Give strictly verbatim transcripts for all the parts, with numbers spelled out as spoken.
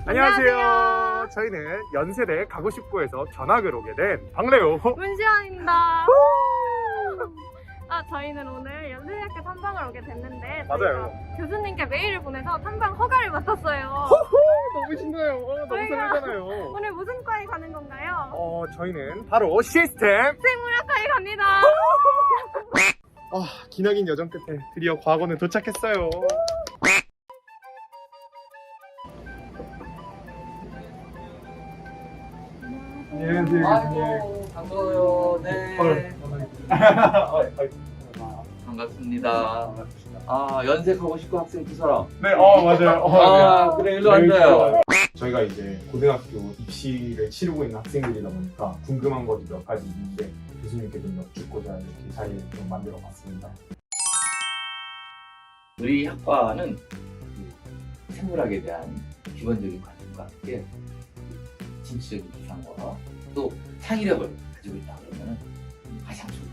안녕하세요. 저희는 연세대 가고싶고에서 전학을 오게 된 박래호 문시원입니다. 아, 저희는 오늘 연세대학교 탐방을 오게 됐는데 맞아요. 저희가 교수님께 메일을 보내서 탐방 허가를 맡았어요. 너무 신나요. 어, 너무 저희가 설레잖아요. 오늘 무슨 과에 가는 건가요? 어, 저희는 바로 시스템. 생물학과에 갑니다. 아, 기나긴 여정 끝에 드디어 과거는 도착했어요. 안녕하세요. 아이고 반가워요. 네. 반갑습니다. 아 연색하고 싶고 학생 두 사람. 네, 어, 맞아요. 어, 아 그래 일로 앉아요. 저희가 이제 고등학교 입시를 치르고 있는 학생들이다 보니까 궁금한 것이 몇 가지 있는데 교수님께 좀 여쭙고자 이렇게 자리를 좀 만들어 봤습니다. 우리 학과는 그 생물학에 대한 기본적인 관심과 함께 진취적인 기상과 또 창의력을 가지고 있다 그러면 가장 좋을 것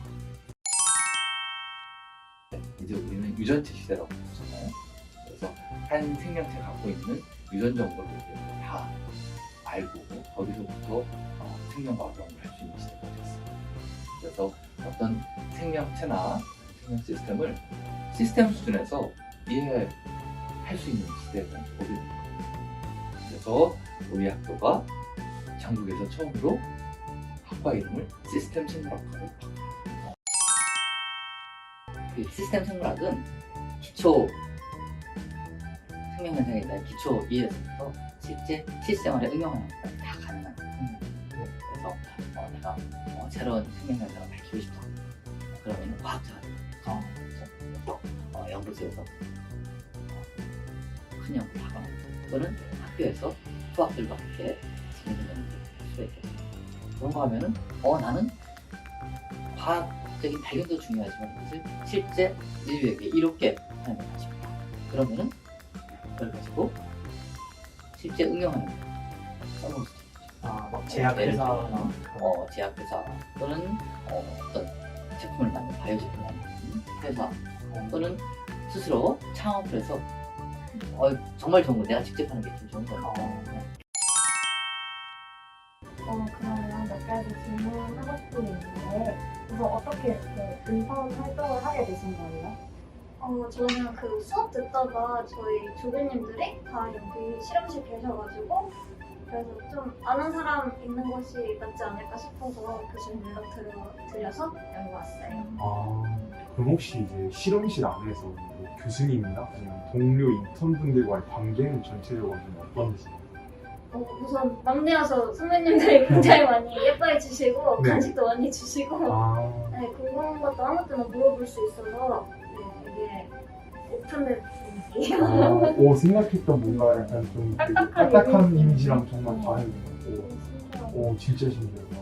같아요. 이제 우리는 유전체 시대라고 보잖아요. 그래서 한 생명체 갖고 있는 유전 정보를 이제 다 알고 거기서부터 어, 생명 활동을 할 수 있는 시대가 됐어요. 그래서 어떤 생명체나 생명 시스템을 시스템 수준에서 이해할 수 있는 시대가 오게 된 거예요. 그래서 우리 학교가 전국에서 처음으로 학과 이름을 시스템 생물학과로 바꿨어요. 그 시스템 생물학은 기초 생명 현상에 대한 기초 이해에서부터 실제 실생활에 응용하는 것까지 다 가능한 학문이에요. 그래서 어, 내가 어, 새로운 생명 현상을 밝히고 싶다. 그러면 과학자가 되면서 그래서 어, 연구소에서 어, 큰 연구를 하거나 또는 학교에서 수학들과 함께 재밌는 연구를 할 수가 있겠죠. 그런 거 하면은 어 나는 과학적인 발견도 중요하지만 그것을 실제 인류에게 이롭게 하는 게 가십니다. 그러면은 그걸 가지고 실제 응용하는 거 써먹을 수도 있죠. 아, 막 제약회사나 어, 제약회사 또는 어, 어떤 제품을 만든 바이오 제품을 만드는 회사 또는 스스로 창업을 해서 어, 정말 좋은 거 내가 직접 하는 게 좀 좋은 거니까 어, 그러면 몇 가지 질문하고 싶은 게 있는데 우선 어떻게 이렇게 인턴 활동을 하게 되신 거예요? 어, 저는 그 수업 듣다가 저희 조교님들이 다 여기 실험실 계셔가지고 그래서 좀 아는 사람 있는 곳이 낫지 않을까 싶어서 교수님 연락드려서 여기 왔어요. 아, 그럼 혹시 이제 실험실 안에서 뭐 교수님이나 아니면 동료 인턴분들과의 관계는 전체적으로 좀 어떤지? 어, 우선 막내여서 선배님들이 굉장히 많이 예뻐해 주시고 네. 간식도 많이 주시고 아, 네, 궁금한 것도 아무 때나 물어볼 수 있어서 네, 되게 오픈된 분위기예요. 아, 오, 생각했던 뭔가 약간 좀 되게 딱딱한 딱딱한 이미지. 이미지랑 정말 다른 것 같고, 오, 진짜 신기하다.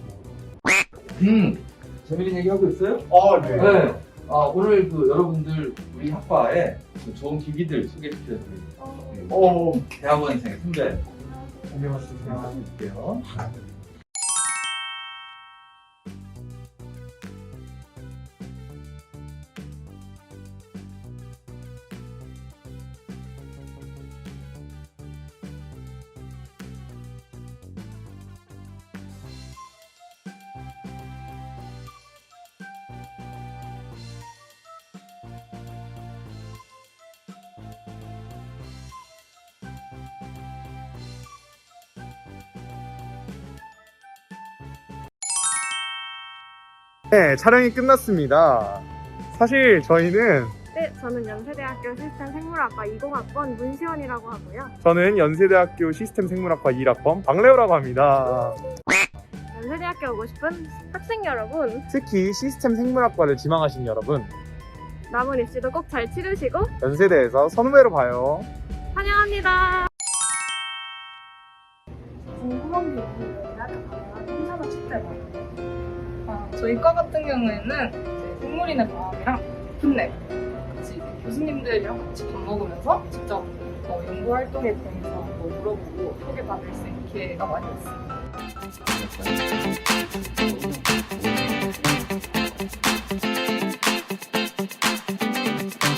음 재밌는 얘기 하고 있어요? 아, 네. 네. 아, 오늘 그 여러분들 우리 학과에 그 좋은 기기들 소개시켜드릴게요. 오, 대학원생 선배 안녕하세요. 드릴게요. 네, 촬영이 끝났습니다. 사실 저희는 네, 저는 연세대학교 시스템 생물학과 이공학번 문시원이라고 하고요. 저는 연세대학교 시스템 생물학과 일 학번 박래호라고 합니다. 연세대학교 오고 싶은 학생 여러분, 특히 시스템 생물학과를 지망하신 여러분, 남은 입시도 꼭 잘 치르시고 연세대에서 선후배로 봐요. 환영합니다. 궁금한 게 있는데 나도 가면 행사나 축제가 아, 저희 과 같은 경우에는 이제 생물인의 마음이랑 풋랩 같이 이제 교수님들이랑 같이 밥 먹으면서 직접 어, 연구 활동에 대해서 뭐 물어보고 소개받을 수 있는 기회가 많이 있습니다.